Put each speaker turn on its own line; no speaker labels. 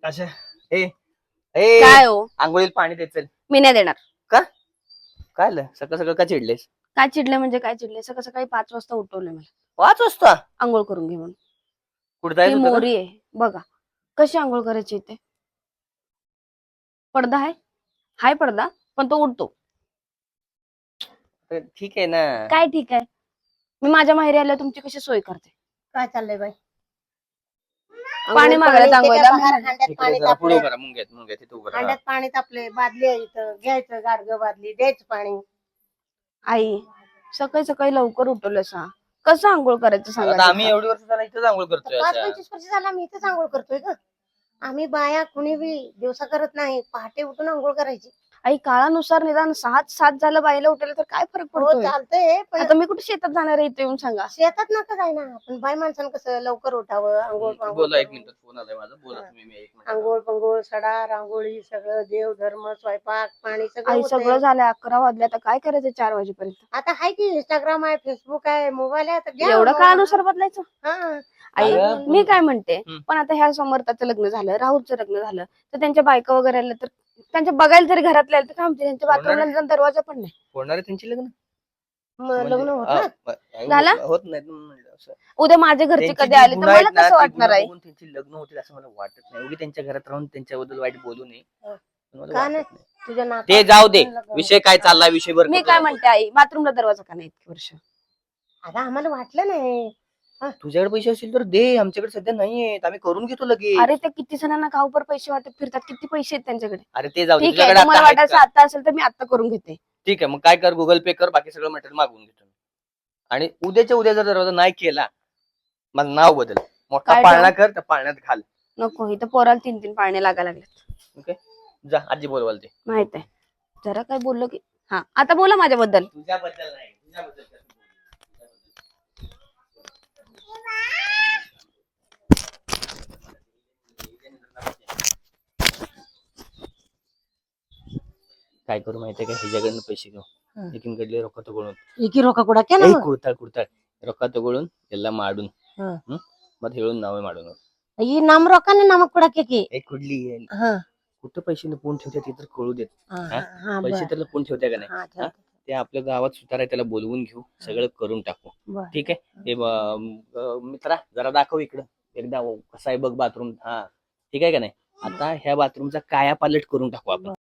अच्छा ए ए
काय हो
आंघोळीला पाणी द्यायचं
मी नाही देणार.
का? काय आलं सकाळ सकाळ का चिडलेस?
काय चिडले म्हणजे काय चिडले? सकाळ सकाळी 5 वाजता उठवले मला
5 वाजता
आंघोळ करून घे म्हणून.
कुठं
ती
जायचं होतं का?
मोरी आहे बघा कशी आंघोळ करायची इथे. पडदा आहे, हाय पडदा, पण तो उडतो.
तर ठीक आहे ना.
काय ठीक आहे, मी माझ्या माहेरी आल्यावर तुमची कशी सोय करते.
काय चाललंय बाई?
पाणी मागायला तांगवायला
हांड्यात
इकडे
पाणी
जरा पुढे
तापले,
उभं राहा, मुंग्यात तिथे उभं राहा.
हांड्यात पाणी तापले, बादली आहे इथं, घ्यायचं गाडगं बादली, द्यायचं पाणी.
आई सकाळी सकाळी लवकर उठवलं सा, कसं आंघोळ करायचं
आता
सांगा.
आम्ही एवढी वर्ष झाला इथंच आंघोळ करतोय.
5-25 वर्ष झाला मी इथंच आंघोळ करतोय ग. आम्ही बाया कुणी बी दिवसा करत नाही, पहाटे उठून आंघोळ करायची.
आई काळानुसार निदान 7 झालं बाईला उठवलं तर काय फरक
हो
पडतोय.
चालतंय, पण
आता मी कुठे शेतात जाणार आहे इथे येऊन सांगा.
शेतात नका जाय ना. पण बाई माणसानं कसं लवकर उठावं, आंघोळ पांघोळ
बोला एक
करून.
मिनिट फोन आलाय माझा. बोला तुम्ही. मी 1 मिनिट.
आंघोळ पंघोळ सडा रांगोळी सगळं देव धर्म स्वयंपाक पाणी सगळं
आई
होतंय.
सगळं झालंय, 11 वाजले, आता काय करायचं 4 वाजेपर्यंत.
आता आहे की इंस्टाग्राम आहे, फेसबुक आहे, मोबाईल आहे, आता घ्या
एवढं
मोबाईल.
काळानुसार बदलायचं.
हा.
आई
अगं,
मी काय म्हणते,
हम्म.
पण आता ह्या समर्थाचं लग्न झालं, राहुलचं लग्न झालं, तर त्यांच्या बायका वगैरे आल्या तर त्यांच्या बघायला जरी घरातल्या आल्या तर काय म्हणते, त्यांच्या बाथरूमला निदान दरवाजा पण नाही.
होणार आहे त्यांची लग्न?
लग्न होत ना.
झालं?
होत नाही म्हणलं असं.
उद्या माझे घरचे
त्यांची
कधी
जी
आले तर
गुन्हा आहेत
मला
ना,
कसं
ती
वाटणार
गुन्हा
आहे.
बघून त्यांची लग्न होतील असं मला वाटत नाही. उगी त्यांच्या घरात राहून त्यांच्याबद्दल वाईट बोलू नये.
हं.
पण मला
का
वाटत
नाही?
नाही.
तुझ्या नाकात
ते जाऊ दे,
लग्न
विषय काय चाललाय विषय बरं
मी काय म्हणते आई, बाथरूमला दरवाजा का नाही इतकी वर्ष.
आता आम्हाला वाटलं नाही.
तुझ्याकडे पैसे असतील तर दे, आमच्याकडे सध्या नाहीयेत. आम्ही करून घेतो लगेच.
अरे ते किती जणांना गावभर पैसे वाटत फिरतात, किती पैसे आहेत त्यांच्याकडे.
अरे ते जाऊ दे,
ठीक आहे,
तुझ्याकडे
तुम्हाला
आता आहेत
वाटायचं
का?
आता असेल तर मी आता करून घेते.
ठीक आहे, मग काय कर, गुगल पे कर, बाकी सगळं मटेरियल मागवून घेतो. आणि उद्याच्या उद्या जर दरवाजा नाही केला, माझं नाव बदल, मोठा
काय
पाळणा कर, त्या पाळण्यात घाल.
नको, इथं पोराला 3 पाळणे लागायला लागलेत.
ओके, जा आजी बोलवाल ते.
माहित आहे, जरा काय बोललो की. हा आता बोला माझ्याबद्दल.
तुझ्याबद्दल नाही, तुझ्याबद्दल काय करू माहितीये का, ह्याच्याकडनं पैसे घेऊ,
हं.
एकीकडले रोखा तगळून
एकी रोका कुडा केला मग?
कुर्ताळ रोखा तगळून ಎಲ್ಲ माडून
हं.
मग हेळून नावे माडून
ಈ ನಮ್ ರೊಕ್ಕನೇ ನಮಗ್ ಕೊಡಕ್ಕೆ.
एक कुठली
हा
कुठं पैसे लपवून ठेवते ते तर कळू देत.
हा
हा?
हा
पैसे तर लपवून ठेवते का नाही?
हा
हा? ते आपल्या गावात सुतार आहे, त्याला बोलवून घेऊ, सगळं करून टाकू.
बर.
ठीक आहे. हे मित्रा जरा दाखव इकडं एकदा कसा आहे बघ बाथरूम. हा ठीक आहे का नाही? आता ह्या बाथरूमचा कायापालट करून टाकू आपण.